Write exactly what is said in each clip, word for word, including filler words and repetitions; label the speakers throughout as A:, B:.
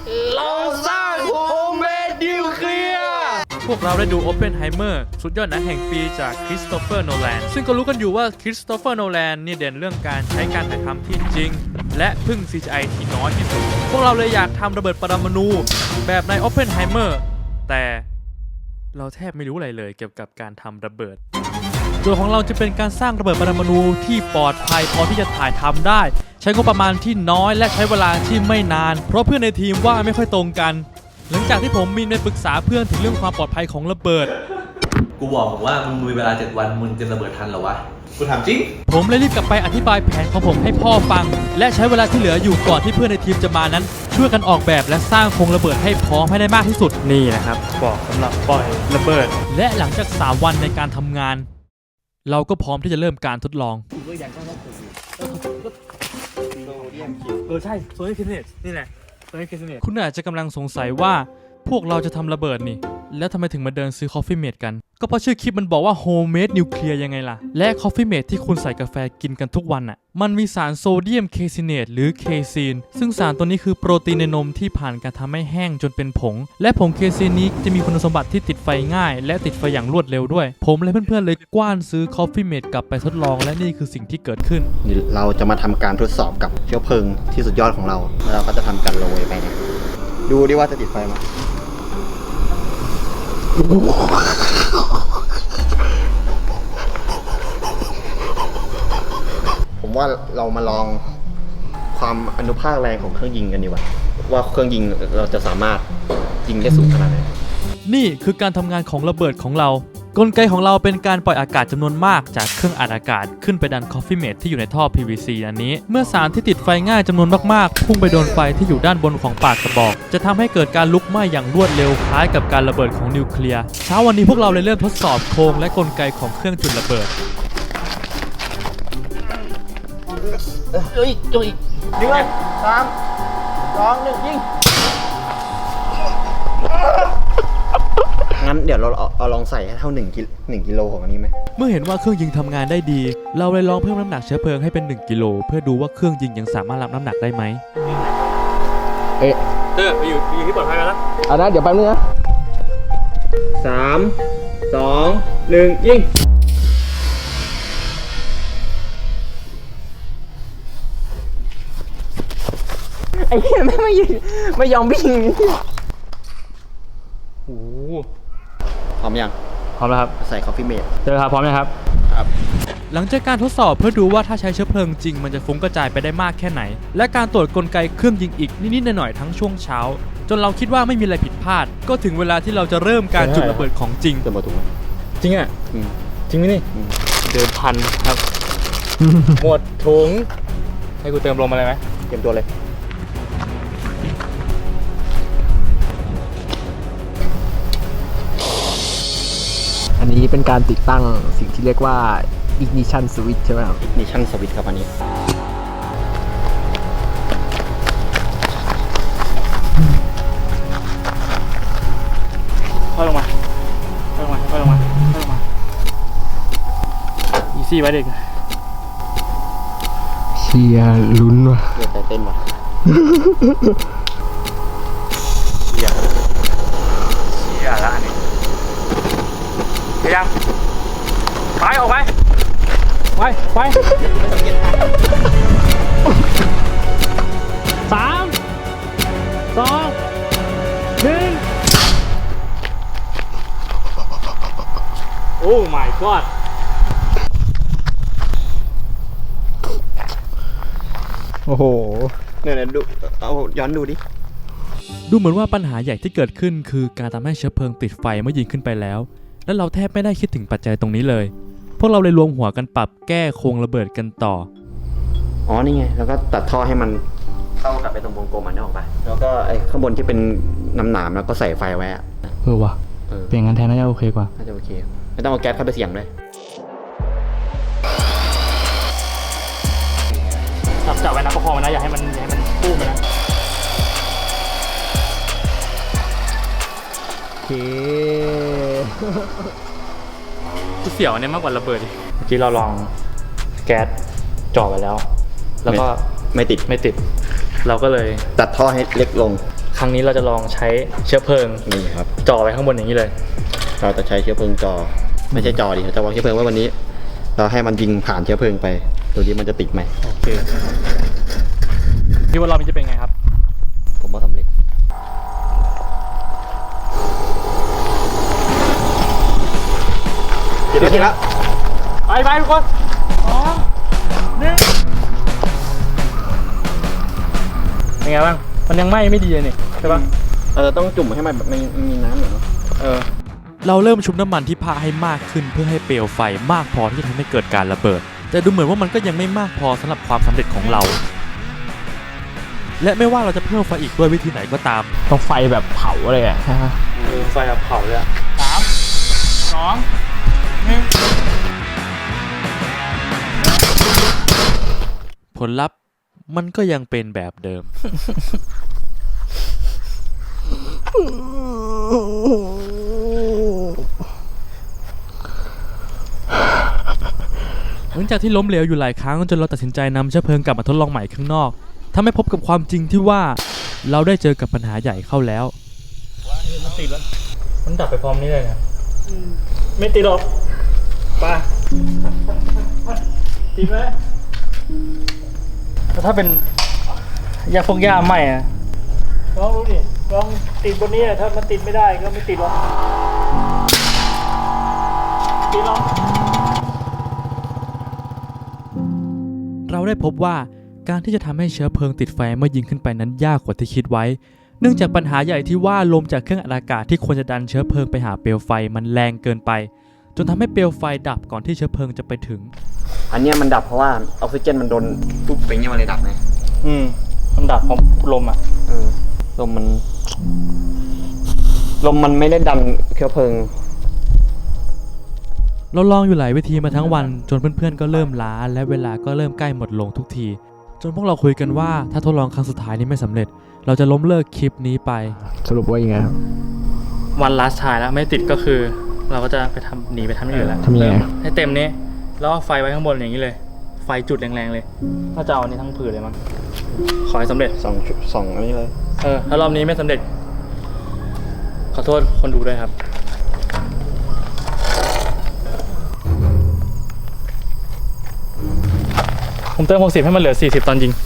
A: เราสร้างโฮมเมดนิวเคลียร์พวกเราได้ดูโอเพนไฮเมอร์สุดยอดหนังแห่งปีจากคริสโตเฟอร์โนแลนซึ่งก็รู้กันอยู่ว่าคริสโตเฟอร์โนแลนนี่เด่นเรื่องการใช้การถ่ายทำที่จริงและพึ่ง ซี จี ไอ ที่น้อยที่สุดพวกเราเลยอยากทำระเบิดปรมาณูแบบในโอเพนไฮเมอร์แต่เราแทบไม่รู้อะไรเลยเกี่ยวกับการทำระเบิดโจทย์ของเราจะเป็นการสร้างระเบิดปรมาณูที่ปลอดภัยพอที่จะถ่ายทำได้ใช้งบประมาณที่น้อยและใช้เวลาที่ไม่นานเพราะเพื่อนในทีมว่าไม่ค่อยตรงกันหลังจากที่ผมมีไปปรึกษาเพื่อนถึงเรื่องความปลอดภัยของระเบิด
B: กูบอกผมว่ามึงมีเวลาเจ็ดวันมึงจะระเบิดทันเหรอวะกูถามจริง
A: ผมเลยรีบกลับไปอธิบายแผนของผมให้พ่อฟังและใช้เวลาที่เหลืออยู่ก่อนที่เพื่อนในทีมจะมานั้นช่วยกันออกแบบและสร้างโครงระเบิดให้พร้อมให้ได้มากที่สุดนี่นะครับบอกสำหรับปล่อยระเบิดและหลังจากสามวันในการทำงานเราก็พร้อมที่จะเริ่มการทดลองเออใช่โซเดียมเคสเนตนี่แหละโซเดียมเคสเนตคุณอาจจะกำลังสงสัยว่าพวกเราจะทำระเบิดนี่แล้วทำไมถึงมาเดินซื้อ Coffee Mate กันก็เพราะชื่อคลิปมันบอกว่า Homemade Nuclear ยังไงล่ะและ Coffee Mate ที่คุณใส่กาแฟกินกันทุกวันอ่ะมันมีสารโซเดียมเคซิเนตหรือเคซีนซึ่งสารตัวนี้คือโปรตีนในนมที่ผ่านการทำให้แห้งจนเป็นผงและผงเคซีนนี้จะมีคุณสมบัติที่ติดไฟง่ายและติดไฟอย่างรวดเร็วด้วยผมและเพื่อนๆเลยกว้านซื้อ Coffee Mate กลับไปทดลองและนี่คือสิ่งที่เกิดขึ้น
C: เราจะมาทำการทดสอบกับเชื้อเพลิงที่สุดยอดของเราแล้วเราก็จะทำการโรยไปเนี่ยดูดิว่าจะติดไฟไหมผมว่าเรามาลองความอนุภาคแรงของเครื่องยิงกันดีกว่าว่าเครื่องยิงเราจะสามารถยิงได้สูงขนาดไหน
A: นี่คือการทำงานของระเบิดของเรากลไกของเราเป็นการปล่อยอากาศจำนวนมากจากเครื่องอัดอากาศขึ้นไปดัน Coffee Mate ที่อยู่ในท่อ พี วี ซี อันนี้เมื่อสารที่ติดไฟง่ายจำนวนมากๆพุ่งไปโดนไฟที่อยู่ด้านบนของปากกระบอกจะทำให้เกิดการลุกไหม้อย่างรวดเร็วคล้ายกับการระเบิดของนิวเคลียร์เช้าวันนี้พวกเราเลยเริ่มทดสอบโครงและกลไกของเครื่องจุดระเบิด
C: จุยจุยหนึ่งสามสองหนึ่งยิงงั้นเดี๋ยวเราเอาลองใส่ให้เท่าหนึ่งกิหนึ่งกิโลของอันนี้ไหม
A: เมื่อเห็นว่าเครื่องยิงทำงานได้ดีเราเลยลองเพิ่มน้ำหนักเชื้อเพลิงให้เป็นหนึ่งกิโลเพื่อดูว่าเครื่องยิงยังสามารถรับน้ำหนักได้ไหม
C: เอ๊ะ
A: เตอร์ไปอยู่อยู่ที่ปลอดภัยแล้วนะ
C: เอานะเดี๋ยวแป๊บนึงนะสามสองหนึ่งยิงไอ้เหี้ยไม่ไม่ไม่ยอมวิ่ง
A: โอ้
C: พร้อมยัง
A: พร้อมแล้วครับ
C: ใส่ Coffee Mate
A: เจอครับพร้อมยังครับครับหลังจากการทดสอบเพื่อดูว่าถ้าใช้เชื้อเพลิงจริงมันจะฟุ้งกระจายไปได้มากแค่ไหนและการตรวจกลไกเครื่องยิงอีกนิดๆหน่อยๆทั้งช่วงเช้าจนเราคิดว่าไม่มีอะไรผิดพลาดก็ถึงเวลาที่เราจะเริ่มการจุดระเบิดของจริง
C: เติมมาถูกไหม
A: จริงอ่ะจริงไหมนี่เดิมพันครับหมดถุงให้กูเติมลมอะไรไหม
C: เตรียมตัวเลย
D: อันนี้เป็นการติดตั้งสิ่งที่เรียกว่า ignition switch ใช่ไหมครับ
C: ignition switch ครับอันนี้
A: ค่อยลงมาค่อยลงมาค่อยลงมาค่อยลงมาอีซี่ไว้เด็ก
D: เชียร์ลุ้นว่ะ
C: เชียร์ใจเต้นว่ะ
A: เชียร์เชียร์ละอันนี้พยายามไปออกไปไปไปสามสองหนึ่งโอ้ my god
D: โอ้โห
C: เนี่ยดูเอาย้อนดูดิ
A: ดูเหมือนว่าปัญหาใหญ่ที่เกิดขึ้นคือการทำให้เชื้อเพลิงติดไฟเมื่อยิงขึ้นไปแล้วและเราแทบไม่ได้คิดถึงปัจจัยตรงนี้เลยพวกเราเลยรวมหัวกันปรับแก้โครงระเบิดกันต่อ
C: อ๋อนี่ไงแล้วก็ตัดท่อให้มันเข้ากับไปตรงวงกลมมันได้ออกไปแล้วก็ไอ้ข้างบนที่เป็นน้ำหนามแล้วก็ใส่ไฟไว้
D: เออว่ะเปลี่ยนงานแทนน่าจะโอเคกว่า
C: น่าจะโอเคไม่ต้องเอาแก๊สเข้าไปเสี่ยงด้วย
A: จับจับไว้นะประคองมันนะอย่าให้มันอย่าให้มันปุ้มไปนะ
D: โอเค
A: กูเสียวอันนี้มากกว่าระเบิดเมื่อกี้เราลองแก๊สจ่อไปแล้วแล้วก็
C: ไม่ติด
A: ไม่ติดเราก็เลย
C: ตัดท่อให้เล็กลง
A: ครั้งนี้เราจะลองใช้เชื้อเพลิง
C: นี่ครับ
A: จ่อไว้ข้างบนอย่างนี้เลย
C: เราจะใช้เชื้อเพลิงจอ ไม่ใช่จอดิเราจะวางเชื้อเพลิงไว้วันนี้ เราให้มันยิงผ่านเชื้อเพลิงไปดูดิมันจะติดไหม
A: โอเคพี่ว่ารอบนี้จะเป็นไงครับ
C: ผมว่าสำเร็จเดี๋ยวทีละ
A: ไปไปทุกคนสองหนึ่งเป็นไงบ้างมันยังไหม้ไม่ดีเลยนี่ใช่ปะ
C: เราจะต้องจุ่มให้มันแบบไม่ไม่มีน้ำหน่อยเนาะ
A: เออเราเริ่มชุบน้ำมันที่ผ้าให้มากขึ้นเพื่อให้เปลวไฟมากพอที่จะทำให้เกิดการระเบิด แต่ดูเหมือนว่ามันก็ยังไม่มากพอสำหรับความสำเร็จของเรา และไม่ว่าเราจะเพิ่มไฟอีกด้วยวิธีไหนก็ตาม
D: ต้องไฟแบบเผาเลยอ่ะ
A: ไฟแบบเผาเลยสามสองหนึ่งผลลัพธ์มันก็ยังเป็นแบบเดิม หลังจากที่ล้มเหลวอยู่หลายครั้งจนเราตัดสินใจนำเชื้อเพลิงกลับมาทดลองใหม่ข้างนอกทำให้พบกับความจริงที่ว่าเราได้เจอกับปัญหาใหญ่เข้าแล้วมันติดแล้วมันดับไปพร้อมนี้เลยนะไม่ติดหรอกไปติดไหมแต่ถ้าเป็นยาพวกยาไหมอะลองดูดิลองติดบนนี้ถ้ามันติดไม่ได้ก็ไม่ติดหรอกติดหรอเราได้พบว่าการที่จะทำให้เชื้อเพลิงติดไฟเมื่อยิงขึ้นไปนั้นยากกว่าที่คิดไว้เนื่องจากปัญหาใหญ่ที่ว่าลมจากเครื่องอัดอากาศที่ควรจะดันเชื้อเพลิงไปหาเปลวไฟมันแรงเกินไปจนทำให้เปลวไฟดับก่อนที่เชื้อเพลิงจะไปถึง
C: อันเนี้ยมันดับเพราะว่าออกซิเจนมันโดนปุ๊บไปเงี้ยมันเลยดับไง
A: อืมมันดับเพราะลมอ่ะ
C: เออลมมันลมมันไม่ได้ดันเชื้อเพลิง
A: เราลองอยู่หลายวิธีมาทั้งวันจนเพื่อนๆก็เริ่มล้าและเวลาก็เริ่มใกล้หมดลงทุกทีจนพวกเราคุยกันว่าถ้าทดลองครั้งสุดท้ายนี้ไม่สำเร็จเราจะล้มเลิกคลิปนี้ไป
D: สรุปว่ายังไงครับ
A: วันลาสทายแล้วไม่ติดก็คือ เราก็จะไปทำหนีไปทำอย่างอื่นแล้ว
D: ทำยังไง
A: ให้เต็มนี้แล้วเอาไฟไว้ข้างบนอย่างนี้เลย ไฟจุดแรงๆเลยก็จะเอาอันนี้ทั้งผืนเลยมั้งขอให้สำเร็จ
C: สองชุดสองอันนี้เลย
A: เออถ้ารอบนี้ไม่สำเร็จขอโทษคนดูด้วยครับผมเติมหกสิบให้มันเหลือสี่สิบตอนยิง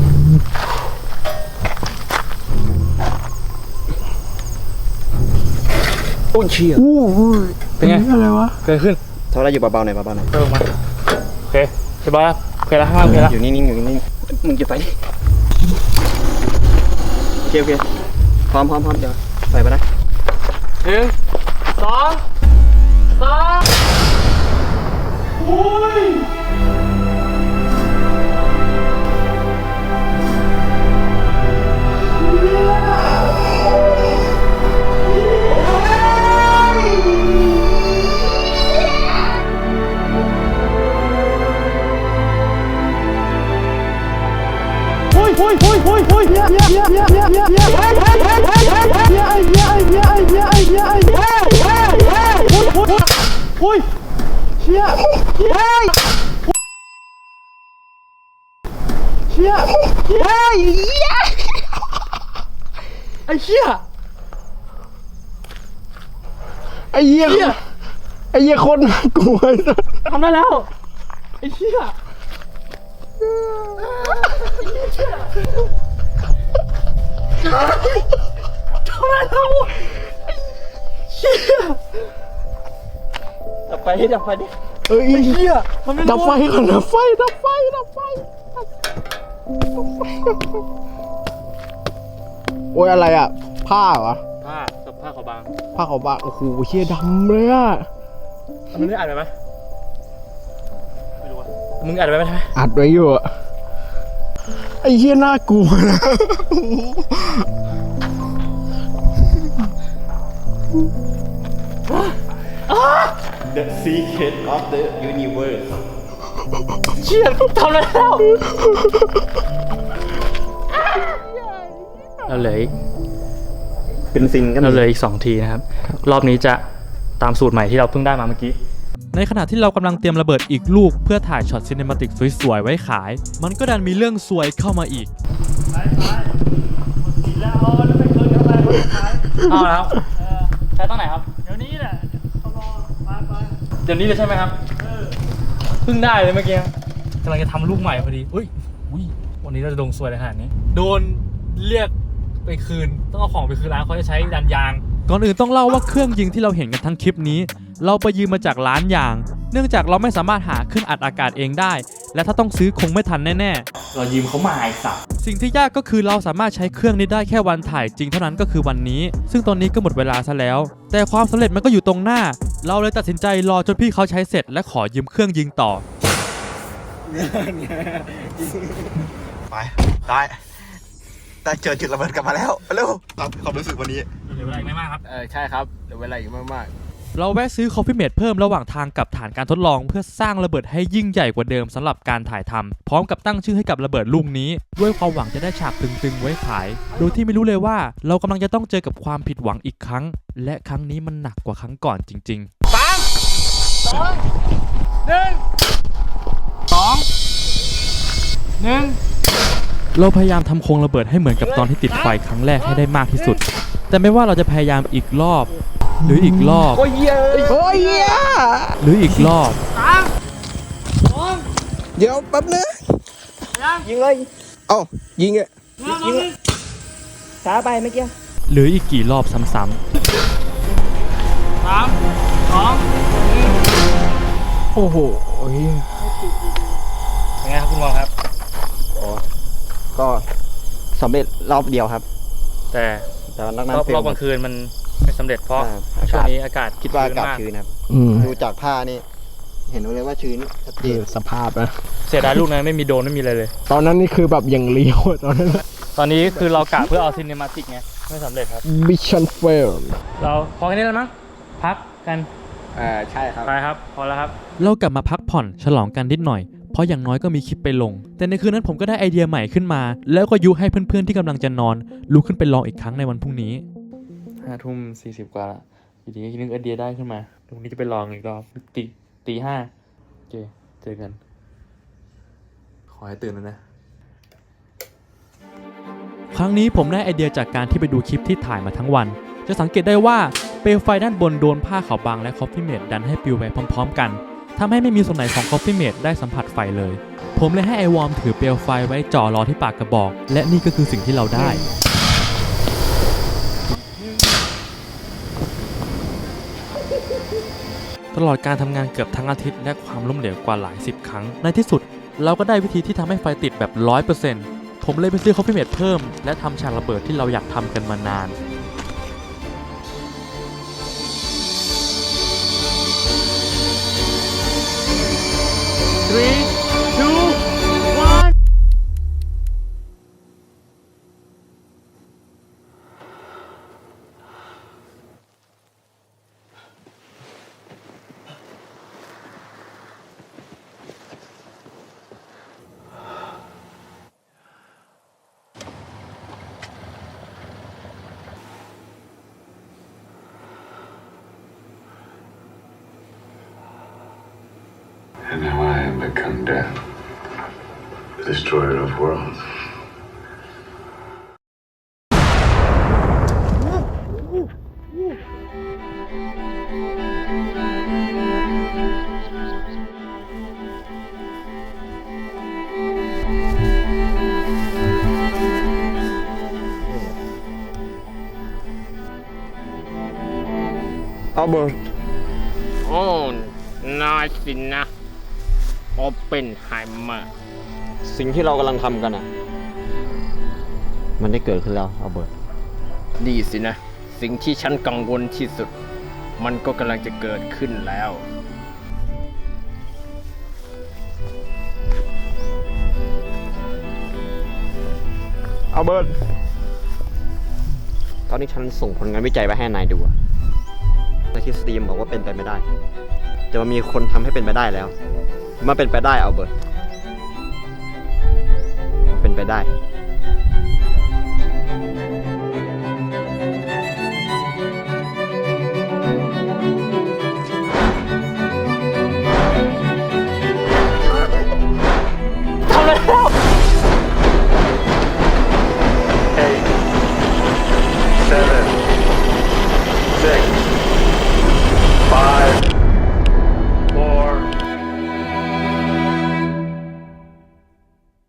A: โอ้ยเชี่ยเป็นไงอะไรวะเกิดขึ้น
C: เท่าไรอยู่เบาๆหน่อยเบาๆหน่อย
A: เติมมาโอเคเรียบร้อยแล้วโอเคแล้วข้างล่างโอเคแล้ว
C: อยู่นิ่งๆอยู่นิ่งๆมึงจะไปโอเคโอเคพร้อมพร้อมพร้อมเดี๋ยวไปไปนะ
A: หนึ่งสองสามอุ้ยอุ้ยเชี่ยเชี่ยเชี่ยเฮ้ยไอ้เชี่ย
D: ไอ้เหี้ยไอ้เหี้ยคนกลัว
A: ทำได้แล้วไอ้เชี่ยทำได้แล้วเชี่ย
C: ดับไฟดิดับไฟดิ
D: เอ้ยเหี้ยดับไฟก่อนดับไฟดับไฟดับไฟโอ้ยอะไรอ่ะผ้าเหรอ
A: ผ้ากับผ้าขาวบาง
D: ผ้าขาวบางโอ้โหเชี่ยดำเลยอ่ะ
A: มึงได้อ่านไปไหมไม่รู้ว่ามึงอ่านไปไหมใช่ไหม
D: อัดไว้อยู่อ่ะไอ้เหี้ยน่ากลัวนะ
C: The secret of the universe
A: เชี่ยทำได้แล้วเราเหลืออีก
C: เป็นซินก็
A: เราเหลืออีกสองทีนะครับรอบนี้จะตามสูตรใหม่ที่เราเพิ่งได้มาเมื่อกี้ในขณะที่เรากำลังเตรียมระเบิดอีกลูกเพื่อถ่ายช็อตซิน e มาติกสวยๆไว้ขาย มันก็ดันมีเรื่องซวยเข้ามาอีกไปไปแล้วแล้วไม่เคยเอาแล้วใช้ตั้งไหนครับเดี๋ยวนี้แหละเดี๋ยวนี้เลยใช่ไหมครับเพิ่งได้เลยเมื่อกี้กำลังจะทำลูกใหม่พอดีอุ้ยอุ้ยวันนี้เราจะโดนซวยเลยขนาดนี้โดนเรียกไปคืนต้องเอาของไปคืนร้านเขาจะใช้ดันยางก่อนอื่นต้องเล่าว่าเครื่องยิงที่เราเห็นกันทั้งคลิปนี้เราไปยืมมาจากร้านยางเนื่องจากเราไม่สามารถหาเครื่องอัดอากาศเองได้และถ้าต้องซื้อคงไม่ทันแน่ๆเรายืมเขามาไอ้สัสสิ่งที่ยากก็คือเราสามารถใช้เครื่องนี้ได้แค่วันถ่ายจริงเท่านั้นก็คือวันนี้ซึ่งตอนนี้ก็หมดเวลาซะแล้วแต่ความสำเร็จมันก็อยู่ตรงหน้าเราเลยตัดสินใจรอจนพี่เขาใช้เสร็จและขอยืมเครื่องยิงต่อ
C: ไปได้ได้เจอจุดระเบิดกลับมาแล้วเร็วตามความรู้สึกวันนี้
A: เหลือเวลาอีกไม่มากครับ
D: เออใช่ครับเดี๋ยวเวลาอีกมาก
A: เราแวะซื้อคอฟฟี่เมดเพิ่มระหว่างทางกับฐานการทดลองเพื่อสร้างระเบิดให้ยิ่งใหญ่กว่าเดิมสำหรับการถ่ายทำพร้อมกับตั้งชื่อให้กับระเบิดลูกนี้ด้วยความหวังจะได้ฉากตึงๆไว้ขายโดยที่ไม่รู้เลยว่าเรากำลังจะต้องเจอกับความผิดหวังอีกครั้งและครั้งนี้มันหนักกว่าครั้งก่อนจริงๆสามสองหนึ่งสองหนึ่งเราพยายามทำโครงระเบิดให้เหมือนกับตอนที่ติดไฟครั้งแรกให้ได้มากที่สุดแต่ไม่ว่าเราจะพยายามอีกรอบหรืออีกรอบ
D: ๆ โอ้ยเยโอ้ยเย
A: หรืออีกรอบ
D: เดี๋ยวแป๊บนึงยิงเลยเอ้ายิงอ่ะยิงเลยช้าไปเมื่อกี้
A: หรืออีกกี่รอบซ้ำๆสามสอง
D: โอ้โหโอ้ย
A: เป็นไงครับคุณวองครับ
C: ก็สำเร็จรอบเดียวครับ
A: แต่
C: แต่ว่านอกนั้น
A: รอบ
C: เฟล
A: รอบกลางคืนมันไม่สำเร็จเพราะ
C: อ่าอากาศ
A: ช่วงนี้อากาศ
C: คิดว่าอากาศ
A: ม
C: ชื้นครับ
D: อืม
C: ดูจากผ้านี่เห็นเลยว่าชื้นชัดเจ
D: คื
C: น
D: อสภาพนะ
A: เสียดายลูกนั้นไม่มีโดรนไม่มีอะไรเลย
D: ตอนนั้นนี่คือแบบอย่างเลี้ยวตอนนั้น
A: ตอนนี้คือเรากะเพื่อเอาซินเนมาติกไงไม่สำเร็จครับ
D: มิชชั่นเฟล
A: เราพอแค่นี้แล้วมั้งพักกัน
D: อ่าใช่ครับ
A: ไปครับพอแล้วครับเรากลับมาพักผ่อนฉลองกันนิดหน่อยเพราะอย่างน้อยก็มีคลิปไปลงแต่ในคืนนั้นผมก็ได้ไอเดียใหม่ขึ้นมาแล้วก็ยุให้เพื่อนๆที่กำลังจะนอนลุกขึ้นไปลองอีกครั้งในวันพรุ่งนี้ห้าทุ่มสี่สิบกว่าละอยู่ดีก็นึกไอเดียได้ขึ้นมาพรุ่งนี้จะไปลองอีกรอบตีตีห้าโอเคเจอกันขอให้ตื่นแล้วนะครั้งนี้ผมได้ไอเดียจากการที่ไปดูคลิปที่ถ่ายมาทั้งวันจะสังเกตได้ว่าเปลวไฟด้านบนโดนผ้าขาวบางและคอฟฟี่เมดดันให้ปลิวไปพร้อมๆกันทำให้ไม่มีส่วนไหนของคอฟฟี่เมดได้สัมผัสไฟเลยผมเลยให้ไอวอร์มถือเปลวไฟไว้จ่อรอที่ปากกระบอกและนี่ก็คือสิ่งที่เราได้ตลอดการทำงานเกือบทั้งอาทิตย์และความล้มเหลวกว่าหลายสิบครั้งในที่สุดเราก็ได้วิธีที่ทำให้ไฟติดแบบ ร้อยเปอร์เซ็นต์ ผมเลยไปซื้อคอฟฟี่เมดเพิ่มและทำฉากระเบิดที่เราอยากทำกันมานานthree two one
E: And now I have become death, destroyer of worlds.
D: Albert โอ้นายสินนะโอเปนไฮเมอร์
C: สิ่งที่เรากำลังทำกันอ่ะ มันได้เกิดขึ้นแล้วอัลเบิร์ต
D: ดีสินะ สิ่งที่ฉันกังวลที่สุด มันก็กำลังจะเกิดขึ้นแล้วอัลเบิร์ต
C: ตอนนี้ฉันส่งผลงานวิจัยไปให้นายดูอะแต่ทฤษฎีบอกว่าเป็นไปไม่ได้แต่มันมีคนทำให้เป็นไปได้แล้วมันเป็นไปได้อัลเบิร์ตเป็นไปได้
E: Eight, seven,
C: รื่อยๆ